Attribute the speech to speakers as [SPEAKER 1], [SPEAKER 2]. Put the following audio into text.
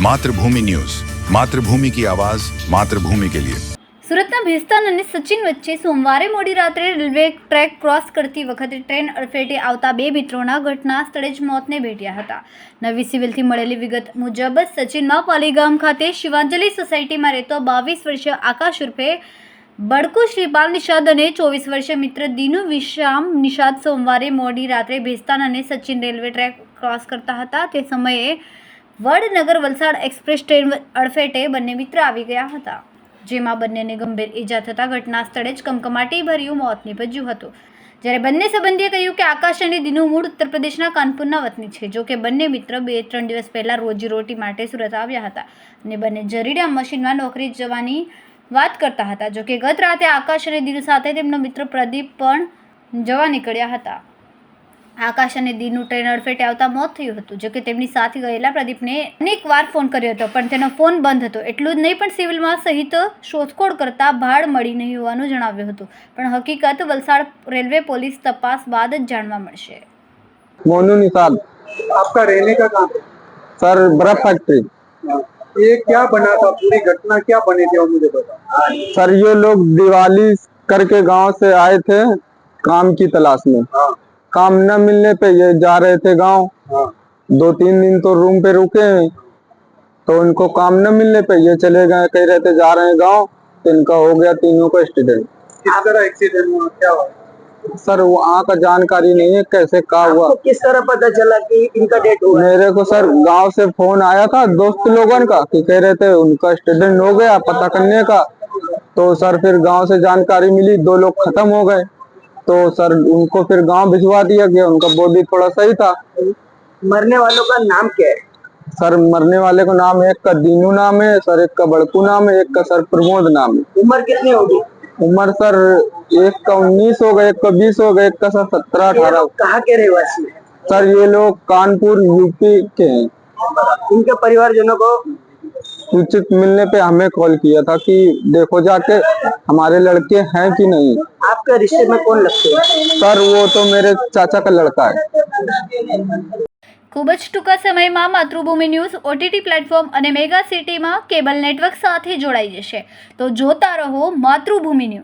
[SPEAKER 1] मातृभूमि न्यूज, मातृभूमि की आवाज, मातृभूमि के लिए।
[SPEAKER 2] સુરતના ભેસ્તાન અને સચિન વચ્ચે સોમવારે મોડી રાત્રે રેલવે ટ્રેક ક્રોસ કરતી વખતે ટ્રેન અડફેટે આવતા બે મિત્રોના ઘટના સ્થળે જ મોતને ભેટ્યા હતા। નવી સિવિલથી મળેલી વિગત મુજબ સચિનમાં પાલીગામ ખાતે શિવાંજલિ સોસાયટીમાં રહેતો 22 વર્ષીય આકાશ ઉર્ફે બડકુ શ્રીપાલ નિષાદ અને 24 વર્ષીય મિત્ર દીનુ વિશામ નિષાદ સોમવારે મોડી રાત્રે ભેસ્તાન અને સચિન રેલવે ટ્રેક ક્રોસ કરતા હતા। તે સમયે વડનગર વલસાડ એક્સપ્રેસ ટ્રેન અડફેટે બંને મિત્ર આવી ગયા હતા, જેમાં બંનેને ગંભીર ઈજા થતાં ઘટના સ્થળે જ કમકમાટીભર્યું મોત નીપજ્યું હતું। જ્યારે બંને સંબંધીએ કહ્યું કે આકાશ અને દીનુ મૂળ ઉત્તર પ્રદેશના કાનપુરના વતની છે। જો કે બંને મિત્ર 2-3 દિવસ પહેલાં રોજીરોટી માટે સુરત આવ્યા હતા અને બંને જરીડા મશીનમાં નોકરી જવાની વાત કરતા હતા। જો કે ગત રાતે આકાશ અને દીનુ સાથે તેમનો મિત્ર પ્રદીપ પણ જવા નીકળ્યા હતા। આકાશ અને દીનુ ટ્રેન અડફેટે આવતા મોત થયું હતું। જો કે તેમની સાથે ગયેલા પ્રદીપને અનેકવાર ફોન કર્યો હતો, પણ તેનો ફોન બંધ હતો। એટલું જ નહીં, પણ સિવિલમાં સહિત શોધખોળ કરતા ભાડ મળી નહીં હોવાનું જણાવ્યું હતું, પણ હકીકત વલસાડ રેલવે પોલીસ તપાસ બાદ જ જાણવા મળશે।
[SPEAKER 3] मोनू निषाद।
[SPEAKER 4] आपका रहने का कहाँ पे?
[SPEAKER 3] सर बर्फ फैक्ट्री।
[SPEAKER 4] ये क्या बना था, पूरी घटना क्या बनी थी वो मुझे बताओ।
[SPEAKER 3] सर ये लोग दिवाली करके गांव से आए थे काम की तलाश में।
[SPEAKER 4] हाँ
[SPEAKER 3] काम न मिलने पे ये जा रहे थे गांव।
[SPEAKER 4] हाँ
[SPEAKER 3] 2-3 दिन तो रूम पे रुके हैं, तो उनको काम न मिलने पे ये चले गए, कह रहे थे जा रहे हैं गांव, तो इनका हो गया तीनों का एक्सीडेंट।
[SPEAKER 4] किस तरह एक्सीडेंट हुआ, क्या हुआ?
[SPEAKER 3] सर वहाँ का जानकारी नहीं है कैसे क्या हुआ।
[SPEAKER 4] आपको किस तरह पता चला कि इनका डेथ हुआ?
[SPEAKER 3] मेरे को सर गांव से फोन आया था दोस्त लोगों का कि कह रहे थे उनका एक्सीडेंट हो गया पता करने का। तो सर फिर गांव से जानकारी मिली 2 लोग खत्म हो गए, तो सर उनको फिर गांव भिजवा दिया गया। उनका बॉडी थोड़ा सही था।
[SPEAKER 4] मरने वालों का नाम क्या है?
[SPEAKER 3] सर मरने वाले को नाम एक का दीनू नाम है सर, एक का बड़कू नाम है, एक का सर प्रमोद नाम है।
[SPEAKER 4] उम्र कितनी होगी?
[SPEAKER 3] उम्र सर एक का 19 हो गए, एक का 20 हो गए, एक का सर 17-18।
[SPEAKER 4] कहाँ के रहवासी हैं?
[SPEAKER 3] सर ये लोग कानपुर यूपी के हैं।
[SPEAKER 4] इनके परिवारजनों को
[SPEAKER 3] सूचित मिलने पे हमें कॉल किया था कि देखो जाके हमारे लड़के हैं कि नहीं।
[SPEAKER 4] आपके रिश्ते में कौन लगते हैं?
[SPEAKER 3] सर वो तो मेरे चाचा का लड़का है।
[SPEAKER 2] ખૂબ જ ટૂંકા સમયમાં માતૃભૂમિ ન્યૂઝ OTT પ્લેટફોર્મ અને મેગા સિટીમાં કેબલ નેટવર્ક સાથે જોડાઈ જશે, તો જોતા રહો માતૃભૂમિ ન્યૂઝ।